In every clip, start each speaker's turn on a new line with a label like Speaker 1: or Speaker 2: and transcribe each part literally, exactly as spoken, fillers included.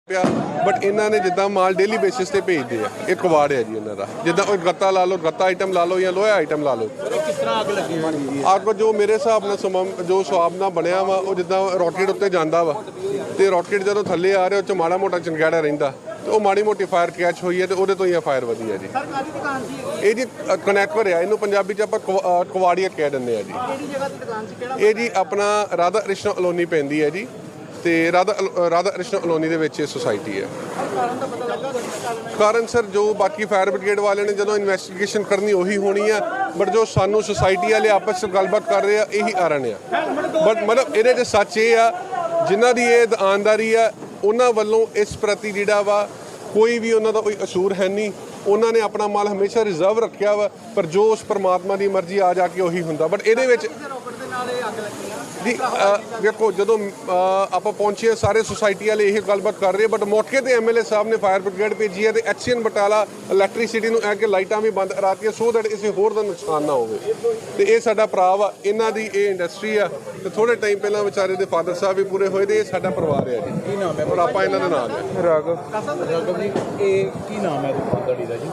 Speaker 1: ਪਿਆ ਬਟ ਇਹਨਾਂ ਨੇ ਜਿੱਦਾਂ ਮਾਲ ਡੇਲੀ ਬੇਸਿਸ ਤੇ ਭੇਜਦੇ ਆ। ਇਹ ਕਵਾੜ ਹੈ ਜੀ ਇਹਨਾਂ ਦਾ, ਜਿੱਦਾਂ ਉਹ ਗੱਤਾ ਲਾ ਲਓ, ਗੱਤਾ ਆਈਟਮ ਲਾ ਲਓ ਜਾਂ ਲੋਹਾ ਆਈਟਮ ਲਾ ਲਓ।
Speaker 2: ਕਿਸ ਤਰ੍ਹਾਂ ਅੱਗ ਲੱਗੀ ਹੋਈ ਹੈ?
Speaker 1: ਅੱਗ ਜੋ ਮੇਰੇ ਹਿਸਾਬ ਨਾਲ ਸਮਾਂ ਜੋ ਸਵਾਬ ਨਾਲ ਬਣਿਆ ਵਾ, ਉਹ ਜਿੱਦਾਂ ਰੋਕੇਟ ਉੱਤੇ ਜਾਂਦਾ ਵਾ ਤੇ ਰੋਕੇਟ ਜਦੋਂ ਥੱਲੇ ਆ ਰਿਹਾ ਉਹ 'ਚ ਮਾੜਾ ਮੋਟਾ ਚੰਗਿਆੜਾ ਰਹਿੰਦਾ ਤੇ ਉਹ ਮਾੜੀ ਮੋਟੀ ਫਾਇਰ ਕੈਚ ਹੋਈ ਹੈ ਤੇ ਉਹਦੇ ਤੋਂ ਹੀ ਆ ਫਾਇਰ ਵਧੀ ਹੈ ਜੀ।
Speaker 2: ਸਰਕਾਰੀ ਦੁਕਾਨ ਸੀ
Speaker 1: ਇਹ ਜੀ ਕਨੈਕਟਰ ਆ, ਇਹਨੂੰ ਪੰਜਾਬੀ 'ਚ ਆਪਾਂ ਕਵਾ- ਕਵਾੜੀਆ ਕਹਿ ਦਿੰਦੇ ਆ ਜੀ।
Speaker 2: ਕਿਹੜੀ ਜਗ੍ਹਾ ਤੇ ਦੁਕਾਨ ਸੀ, ਕਿਹੜਾ?
Speaker 1: ਇਹ ਜੀ ਆਪਣਾ ਰਾਧਾ ਕ੍ਰਿਸ਼ਨ ਅਲੋਨੀ ਪੈਂਦੀ ਹੈ ਜੀ ਤੇ ਰਾਧਾ ਰਾਧਾ ਕ੍ਰਿਸ਼ਨ ਅਲੋਨੀ ਦੇ ਵਿੱਚ ਇਹ ਸੁਸਾਇਟੀ ਹੈ।
Speaker 2: ਕਾਰਨ ਦਾ ਪਤਾ ਲੱਗਾ?
Speaker 1: ਕਾਰਨ ਸਰ ਜੋ ਬਾਕੀ ਫਾਇਰ ਬ੍ਰਿਗੇਡ ਵਾਲਿਆਂ ਨੇ ਜਦੋਂ ਇਨਵੈਸਟੀਗੇਸ਼ਨ ਕਰਨੀ ਉਹੀ ਹੋਣੀ ਆ, ਬਟ ਜੋ ਸਾਨੂੰ ਸੁਸਾਇਟੀ ਵਾਲੇ ਆਪਸ ਵਿੱਚ ਗੱਲਬਾਤ ਕਰ ਰਹੇ ਆ ਇਹੀ ਕਾਰਨ ਆ। ਬਟ ਮਤਲਬ ਇਹਦੇ 'ਚ ਸੱਚ ਇਹ ਆ, ਜਿਨ੍ਹਾਂ ਦੀ ਇਹ ਦੁਕਾਨਦਾਰੀ ਆ ਉਹਨਾਂ ਵੱਲੋਂ ਇਸ ਪ੍ਰਤੀ ਜਿਹੜਾ ਵਾ ਕੋਈ ਵੀ ਉਹਨਾਂ ਦਾ ਕੋਈ ਕਸੂਰ ਹੈ ਨਹੀਂ। ਉਹਨਾਂ ਨੇ ਆਪਣਾ ਮਾਲ ਹਮੇਸ਼ਾ ਰਿਜ਼ਰਵ ਰੱਖਿਆ ਵਾ, ਪਰ ਜੋ ਉਸ ਪਰਮਾਤਮਾ ਦੀ ਮਰਜ਼ੀ ਆ ਜਾ ਕੇ ਉਹੀ ਹੁੰਦਾ। ਬਟ ਇਹਦੇ ਵਿੱਚ
Speaker 2: ਰੋਕਟ ਦੇ ਨਾਲ ਇਹ ਅੱਗ ਲੱਗੀ ਆ
Speaker 1: ਜੀ ਵੇਖੋ ਜਦੋਂ ਆਪਾਂ ਪਹੁੰਚੇ ਸਾਰੇ ਸੁਸਾਇਟੀ ਵਾਲੇ ਇਹ ਗੱਲਬਾਤ ਕਰ ਰਹੇ, ਬਟ ਮੌਕੇ ਤੇ ਐਮਐਲਏ ਸਾਹਿਬ ਨੇ ਫਾਇਰ ਬ੍ਰਿਗੇਡ ਭੇਜੀ ਹੈ ਤੇ ਐਕਸੀਅਨ ਬਟਾਲਾ ਇਲੈਕਟ੍ਰਿਸਿਟੀ ਨੂੰ ਇਹ ਕਿ ਲਾਈਟਾਂ ਵੀ ਬੰਦ ਕਰਾਤੀਆਂ ਸੋ ਦੈਟ ਕਿਸੇ ਹੋਰ ਦਾ ਨੁਕਸਾਨ ਨਾ ਹੋਵੇ। ਤੇ ਇਹ ਸਾਡਾ ਭਰਾ ਵਾ, ਇਹਨਾਂ ਦੀ ਇਹ ਇੰਡਸਟਰੀ ਆ ਤੇ ਥੋੜੇ ਟਾਈਮ ਪਹਿਲਾਂ ਵਿਚਾਰੇ ਦੇ ਫਾਦਰ ਸਾਹਿਬ ਵੀ ਪੂਰੇ ਹੋਏ ਤੇ ਇਹ ਸਾਡਾ ਪਰਿਵਾਰ ਹੈ ਜੀ।
Speaker 2: ਕੀ ਨਾਮ ਹੈ?
Speaker 1: ਔਰ ਆਪਾਂ ਇਹਨਾਂ ਦੇ ਨਾਲ ਹੈ
Speaker 3: ਰਾਘਵ
Speaker 2: ਰਾਘਵ ਜੀ, ਇਹ ਕੀ ਨਾਮ ਹੈ ਦੁਕਾਨਦਾਰੀ ਦਾ ਜੀ?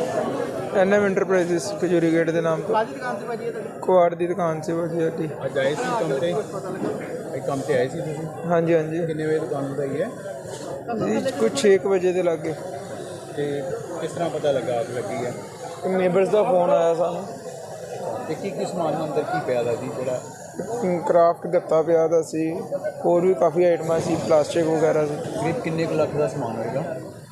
Speaker 3: N M enterprises Khajuri gate ਦੇ ਨਾਮ ਤੋਂ
Speaker 2: ਕਾਹਦੀ ਦੁਕਾਨ ਤੇ ਭਾਜੀ ਇਹ ਤੁਹਾਡੀ?
Speaker 3: ਕੁਆੜ ਦੀ ਦੁਕਾਨ ਸੀ ਭਾਜੀ ਸਾਡੀ।
Speaker 2: ਅੱਜ ਆਏ ਸੀ ਕੰਮ ਤੇ? ਇਹ ਕੰਮ ਤੇ ਆਏ ਸੀ ਤੁਸੀਂ?
Speaker 3: ਹਾਂਜੀ ਹਾਂਜੀ
Speaker 2: ਕਿੰਨੇ ਵਜੇ ਦੁਕਾਨ ਵਧਾਈ ਹੈ?
Speaker 3: ਜੀ ਕੁਝ ਛੇ ਕੁ ਵਜੇ ਦੇ ਲਾਗੇ
Speaker 2: ਤੇ ਕਿਸ ਤਰ੍ਹਾਂ ਪਤਾ ਲੱਗਾ ਅੱਗ ਲੱਗੀ ਹੈ?
Speaker 3: ਨੇਬਰਸ ਦਾ ਫੋਨ ਆਇਆ ਸਾਨੂੰ।
Speaker 2: ਤੇ ਕੀ ਕੀ ਸਮਾਨ ਅੰਦਰ ਕੀ ਪਿਆ ਦਾ ਜੀ ਜਿਹੜਾ?
Speaker 3: ਕਰਾਫਟ ਗੱਤਾ ਪਿਆ ਦਾ ਸੀ, ਹੋਰ ਵੀ ਕਾਫੀ ਆਈਟਮਾਂ ਸੀ, ਪਲਾਸਟਿਕ ਵਗੈਰਾ ਸੀ।
Speaker 2: ਕਰੀਬ ਕਿੰਨੇ ਕੁ ਲੱਖ ਦਾ ਸਮਾਨ ਹੋਏਗਾ?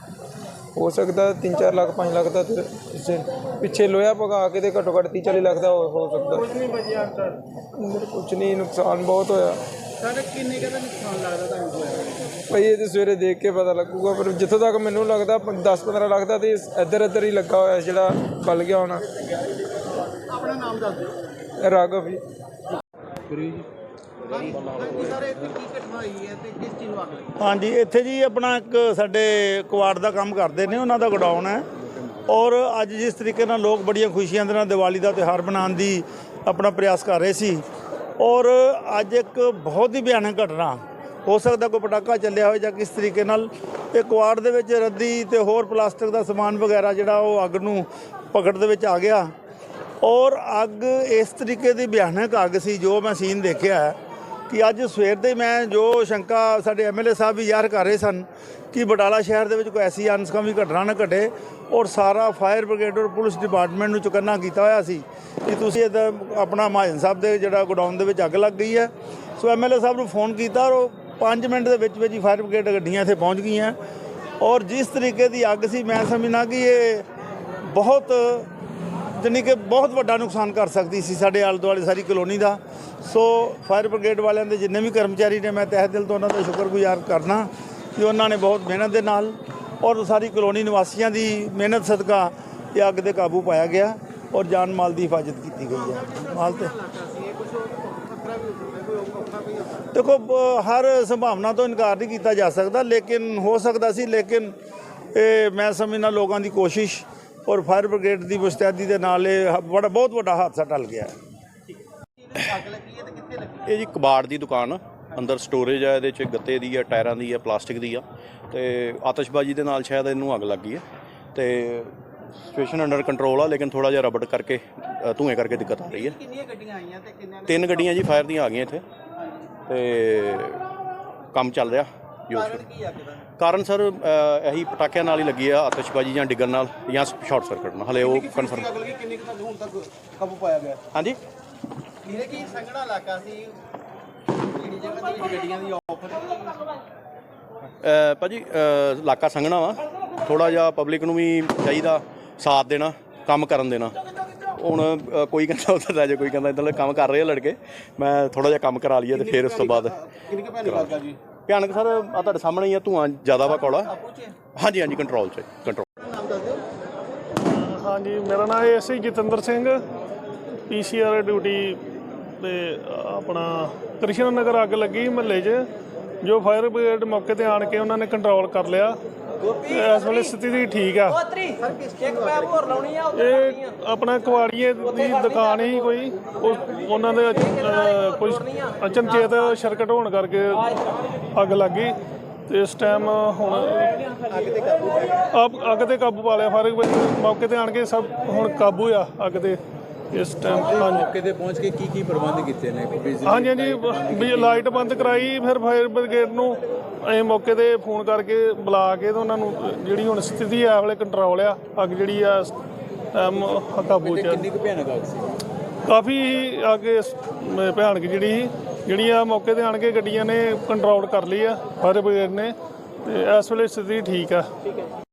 Speaker 3: ਹੋ ਸਕਦਾ ਤਿੰਨ ਚਾਰ ਲੱਖ ਪੰਜ ਲੱਖ ਦਾ, ਤੇ ਪਿੱਛੇ ਪਿੱਛੇ ਲੋਹਾ ਪਗਾ ਕੇ ਤੇ ਘੱਟੋ ਘੱਟ ਤੀਹ ਚਾਲੀ ਲੱਖ ਦਾ ਹੋ ਹੋ ਸਕਦਾ।
Speaker 2: ਕੁਝ ਨਹੀਂ ਬਚਿਆ ਅੰਦਰ?
Speaker 3: ਅੰਦਰ ਕੁਝ ਨਹੀਂ, ਨੁਕਸਾਨ ਬਹੁਤ ਹੋਇਆ
Speaker 2: ਸਾਡੇ ਕਿੰਨੇ ਕੁ ਦਾ ਨੁਕਸਾਨ ਲੱਗਦਾ ਤੁਹਾਨੂੰ ਹੋਇਆ?
Speaker 3: ਭਾਈ ਇਹ ਤਾਂ ਸਵੇਰੇ ਦੇਖ ਕੇ ਪਤਾ ਲੱਗੂਗਾ, ਪਰ ਜਿੱਥੋਂ ਤੱਕ ਮੈਨੂੰ ਲੱਗਦਾ ਦਸ ਪੰਦਰਾਂ ਲੱਖ ਦਾ ਤੇ ਇੱਧਰ ਇੱਧਰ ਹੀ ਲੱਗਾ ਹੋਇਆ ਜਿਹੜਾ ਬਲ ਗਿਆ ਹੋਣਾ।
Speaker 2: ਆਪਣਾ ਨਾਮ ਦੱਸ ਦਿਓ।
Speaker 3: ਰਾਘਵ ਜੀ।
Speaker 2: ਸਰ ਇੱਥੇ ਕੀ ਘਟਨਾ ਹੋਈ ਹੈ ਤੇ ਕਿਸ ਚੀਜ਼ ਨੂੰ ਅੱਗ ਲੱਗੀ?
Speaker 4: ਹਾਂਜੀ, ਇੱਥੇ ਜੀ ਆਪਣਾ ਇੱਕ ਕੁਆੜ ਕਵਾੜ ਦਾ ਕੰਮ ਕਰਦੇ ਨੇ, ਉਹਨਾਂ ਦਾ ਗੋਡਾਊਨ ਹੈ। ਔਰ ਅੱਜ ਜਿਸ ਤਰੀਕੇ ਨਾਲ ਲੋਕ ਬੜੀਆਂ ਖੁਸ਼ੀਆਂ ਦੇ ਨਾਲ ਦੀਵਾਲੀ ਦਾ ਤਿਉਹਾਰ ਮਨਾਉਣ ਦੀ ਆਪਣਾ ਪ੍ਰਯਾਸ ਕਰ ਰਹੇ ਸੀ, ਔਰ ਅੱਜ ਇੱਕ ਬਹੁਤ ਹੀ ਭਿਆਨਕ ਘਟਨਾ, ਹੋ ਸਕਦਾ ਕੋਈ ਪਟਾਕਾ ਚੱਲਿਆ ਹੋਵੇ ਜਾਂ ਕਿਸ ਤਰੀਕੇ ਨਾਲ ਇਹ ਕਵਾੜ ਦੇ ਵਿੱਚ ਰੱਦੀ ਤੇ ਹੋਰ ਪਲਾਸਟਿਕ ਦਾ ਸਮਾਨ ਵਗੈਰਾ ਜਿਹੜਾ ਉਹ ਅੱਗ ਨੂੰ ਪਕੜ ਦੇ ਵਿੱਚ ਆ ਗਿਆ। ਔਰ ਅੱਗ ਇਸ ਤਰੀਕੇ ਦੀ ਭਿਆਨਕ ਅੱਗ ਸੀ ਜੋ ਮੈਂ ਸੀਨ ਦੇਖਿਆ ਕਿ ਅੱਜ ਸਵੇਰ ਦੇ ਮੈਂ ਜੋ ਸ਼ੰਕਾ ਸਾਡੇ ਐਮਐਲਏ ਸਾਹਿਬ ਵੀ ਜ਼ਾਹਰ ਕਰ ਰਹੇ ਸਨ ਕਿ ਬਟਾਲਾ ਸ਼ਹਿਰ ਦੇ ਵਿੱਚ ਕੋਈ ਐਸੀ ਅਨਸਕਾਮੀ ਘਟਨਾ ਨਾ ਘਟੇ, ਔਰ ਸਾਰਾ ਫਾਇਰ ਬ੍ਰਿਗੇਡ ਔਰ ਪੁਲਿਸ ਡਿਪਾਰਟਮੈਂਟ ਨੂੰ ਚੁਕੰਨਾ ਕੀਤਾ ਹੋਇਆ ਸੀ ਕਿ ਤੁਸੀਂ ਇਹਦਾ ਆਪਣਾ ਮਹਾਜਨ ਸਾਹਿਬ ਦੇ ਜਿਹੜਾ ਗੋਡਾਊਨ ਦੇ ਵਿੱਚ ਅੱਗ ਲੱਗ ਗਈ ਹੈ। ਸੋ ਐਮਐਲਏ ਸਾਹਿਬ ਨੂੰ ਫੋਨ ਕੀਤਾ ਔਰ ਉਹ ਪੰਜ ਮਿੰਟ ਦੇ ਵਿੱਚ ਵਿੱਚ ਹੀ ਫਾਇਰ ਬ੍ਰਿਗੇਡ ਗੱਡੀਆਂ ਇੱਥੇ ਪਹੁੰਚ ਗਈਆਂ। ਔਰ ਜਿਸ ਤਰੀਕੇ ਦੀ ਅੱਗ ਸੀ, ਮੈਂ ਸਮਝਣਾ ਕਿ ਇਹ ਬਹੁਤ ਜਾਣੀ ਕਿ ਬਹੁਤ ਵੱਡਾ ਨੁਕਸਾਨ ਕਰ ਸਕਦੀ ਸੀ ਸਾਡੇ ਆਲੇ ਦੁਆਲੇ ਸਾਰੀ ਕਲੋਨੀ ਦਾ। ਸੋ ਫਾਇਰ ਬ੍ਰਿਗੇਡ ਵਾਲਿਆਂ ਦੇ ਜਿੰਨੇ ਵੀ ਕਰਮਚਾਰੀ ਨੇ, ਮੈਂ ਤਹਿ ਦਿਲ ਤੋਂ ਉਹਨਾਂ ਦਾ ਸ਼ੁਕਰਗੁਜ਼ਾਰ ਕਰਨਾ ਕਿ ਉਹਨਾਂ ਨੇ ਬਹੁਤ ਮਿਹਨਤ ਦੇ ਨਾਲ ਔਰ ਸਾਰੀ ਕਲੋਨੀ ਨਿਵਾਸੀਆਂ ਦੀ ਮਿਹਨਤ ਸਦਕਾ ਇਹ ਅੱਗ 'ਤੇ ਕਾਬੂ ਪਾਇਆ ਗਿਆ ਔਰ ਜਾਨ ਮਾਲ ਦੀ ਹਿਫਾਜ਼ਤ ਕੀਤੀ ਗਈ ਹੈ। ਮਾਲ ਤੇ ਦੇਖੋ ਹਰ ਸੰਭਾਵਨਾ ਤੋਂ ਇਨਕਾਰ ਨਹੀਂ ਕੀਤਾ ਜਾ ਸਕਦਾ, ਲੇਕਿਨ ਹੋ ਸਕਦਾ ਸੀ, ਲੇਕਿਨ ਇਹ ਮੈਂ ਸਮਝਦਾ ਲੋਕਾਂ ਦੀ ਕੋਸ਼ਿਸ਼ ਔਰ ਫਾਇਰ ਬ੍ਰਿਗੇਡ ਦੀ ਮੁਸਤੈਦੀ ਦੇ ਨਾਲ ਇਹ ਬੜਾ ਬਹੁਤ ਵੱਡਾ ਹਾਦਸਾ ਟਲ ਗਿਆ।
Speaker 2: ਅੱਗ ਲੱਗੀ ਹੈ ਤੇ ਕਿੱਥੇ ਲੱਗੀ?
Speaker 5: ਇਹ ਜੀ ਕਬਾੜ ਦੀ ਦੁਕਾਨ, ਅੰਦਰ ਸਟੋਰੇਜ ਹੈ, ਇਹਦੇ 'ਚ ਗੱਤੇ ਦੀ ਹੈ, ਟਾਇਰਾਂ ਦੀ ਹੈ, ਪਲਾਸਟਿਕ ਦੀ ਆ, ਤੇ ਆਤਿਸ਼ਬਾਜ਼ੀ ਦੇ ਨਾਲ ਸ਼ਾਇਦ ਇਹਨੂੰ ਅੱਗ ਲੱਗ ਗਈ ਹੈ। ਤੇ ਸਿਚੁਏਸ਼ਨ ਅੰਡਰ ਕੰਟਰੋਲ ਆ, ਲੇਕਿਨ ਥੋੜ੍ਹਾ ਜਿਹਾ ਰਬੜ ਕਰਕੇ ਧੂਏ ਕਰਕੇ ਦਿੱਕਤ ਆ ਰਹੀ ਹੈ।
Speaker 2: ਕਿੰਨੀਆਂ ਗੱਡੀਆਂ ਆਈਆਂ ਤੇ ਕਿੰਨਾਂ ਨੇ?
Speaker 5: ਤਿੰਨ ਗੱਡੀਆਂ ਜੀ ਫਾਇਰ ਦੀਆਂ ਆ ਗਈਆਂ ਇੱਥੇ ਤੇ ਕੰਮ ਚੱਲ ਰਿਹਾ।
Speaker 2: ਕਾਰਨ ਕੀ ਅੱਗ ਦਾ?
Speaker 5: ਕਾਰਨ ਸਰ ਇਹੀ ਪਟਾਕਿਆਂ ਨਾਲ ਹੀ ਲੱਗੀ ਆ, ਆਤਿਸ਼ਬਾਜ਼ੀ ਜਾਂ ਡਿੱਗਣ ਨਾਲ ਜਾਂ ਸ਼ਾਰਟ ਸਰਕਟ ਨਾਲ, ਹਲੇ ਉਹ ਕਨਫਰਮ।
Speaker 2: ਅੱਗ ਲੱਗੀ ਕਿੰਨੇ ਕੁ ਹੁਣ ਤੱਕ ਕਾਬੂ ਪਾਇਆ ਗਿਆ?
Speaker 5: ਹਾਂਜੀ,
Speaker 2: ਵੀਰੇ ਕੀ ਸੰਘਣਾ ਇਲਾਕਾ ਸੀ, ਕਿਹੜੀ ਜਗ੍ਹਾ ਤੇ ਗੱਡੀਆਂ ਦੀ ਆਫਰ?
Speaker 5: ਭਾਜੀ ਇਲਾਕਾ ਸੰਘਣਾ ਵਾ, ਥੋੜ੍ਹਾ ਜਿਹਾ ਪਬਲਿਕ ਨੂੰ ਵੀ ਚਾਹੀਦਾ ਸਾਥ ਦੇਣਾ, ਕੰਮ ਕਰਨ ਦੇਣਾ। ਹੁਣ ਕੋਈ ਕਹਿੰਦਾ ਉੱਧਰ ਲੈ ਜਾ, ਕੋਈ ਕਹਿੰਦਾ ਇੱਧਰ ਕੰਮ ਕਰ ਰਹੇ ਆ ਲੜਕੇ, ਮੈਂ ਥੋੜ੍ਹਾ ਜਿਹਾ ਕੰਮ ਕਰਾ ਲਈਏ ਤੇ ਫਿਰ ਉਸ ਤੋਂ ਬਾਅਦ
Speaker 2: ਕਿੰਨੀ ਕੁ ਭੈਣੀ ਲੱਗਾ ਜੀ?
Speaker 5: ਭਿਆਨਕ ਸਰ ਆ ਤੁਹਾਡੇ ਸਾਹਮਣੇ ਹੀ ਆ, ਧੂੰਆਂ ਜ਼ਿਆਦਾ ਵਾ ਕੌੜਾ। ਹਾਂਜੀ ਹਾਂਜੀ ਕੰਟਰੋਲ 'ਚ ਕੰਟਰੋਲ।
Speaker 2: ਨਾਮ ਦੱਸ ਦਿਓ।
Speaker 6: ਹਾਂਜੀ, ਮੇਰਾ ਨਾਮ ਹੈ S I Jatinder Singh, P C R duty ਤੇ ਆਪਣਾ ਕ੍ਰਿਸ਼ਨ ਨਗਰ ਅੱਗ ਲੱਗੀ ਮਹੱਲੇ 'ਚ, ਜੋ ਫਾਇਰ ਬ੍ਰਿਗੇਡ ਮੌਕੇ ਤੇ ਆਣ ਕੇ ਉਹਨਾਂ ਨੇ ਕੰਟਰੋਲ ਕਰ ਲਿਆ। ਇਸ ਵੇਲੇ ਸਥਿਤੀ ਠੀਕ ਆ। ਇਹ ਆਪਣਾ ਕੁਆੜੀਏ ਦੀ ਦੁਕਾਨ ਹੀ ਕੋਈ, ਉਹਨਾਂ ਦੇ ਕੋਈ ਅਚਨਚੇਤ ਸਰਕਟ ਹੋਣ ਕਰਕੇ ਅੱਗ ਲੱਗ ਗਈ ਤੇ ਇਸ ਟਾਈਮ ਹੁਣ
Speaker 2: ਅੱਗ ਤੇ ਕਾਬੂ ਪਾ ਗਿਆ।
Speaker 6: ਅੱਗ ਅੱਗ ਤੇ ਕਾਬੂ ਪਾ ਲਿਆ ਫਾਇਰ ਬ੍ਰਿਗੇਡ ਮੌਕੇ ਤੇ ਆਣ ਕੇ ਸਭ ਹੁਣ ਕਾਬੂ ਆ ਅੱਗ ਤੇ ਇਸ ਟਾਈਮ। ਹਾਂਜੀ
Speaker 7: ਮੌਕੇ ਤੇ ਪਹੁੰਚ ਕੇ ਕੀ ਕੀ ਪ੍ਰਬੰਧ ਕੀਤੇ ਨੇ ਬਿਜਲੀ
Speaker 6: ਹਾਂਜੀ ਹਾਂਜੀ ਵੀ ਲਾਈਟ ਬੰਦ ਕਰਾਈ, ਫਿਰ ਫਾਇਰ ਬ੍ਰਿਗੇਡ ਨੂੰ ਅਸੀਂ ਮੌਕੇ ਤੇ ਫੋਨ ਕਰਕੇ ਬੁਲਾ ਕੇ ਤੇ ਉਹਨਾਂ ਨੂੰ ਜਿਹੜੀ ਹੁਣ ਸਥਿਤੀ ਆ ਵਾਲੇ ਕੰਟਰੋਲ ਆ, ਅੱਗ ਜਿਹੜੀ ਆ ਇਸ ਟਾਈਮ ਕਾਬੂ 'ਚ ਆ।
Speaker 7: ਕਿੰਨੀ ਕੁ ਭਿਆਨਕ ਅੱਗ ਸੀ?
Speaker 6: ਕਾਫੀ ਅੱਗ ਇਸ ਮ- ਭਿਆਨਕ ਜਿਹੜੀ ਸੀ, ਜਿਹੜੀ ਆ ਮੌਕੇ ਤੇ ਆਣ ਕੇ ਗੱਡੀਆਂ ਨੇ ਕੰਟਰੋਲ ਕਰ ਲਈ ਆ ਫਾਇਰ ਬ੍ਰਿਗੇਡ ਨੇ, ਤੇ ਇਸ ਵੇਲੇ ਸਥਿਤੀ ਠੀਕ ਆ।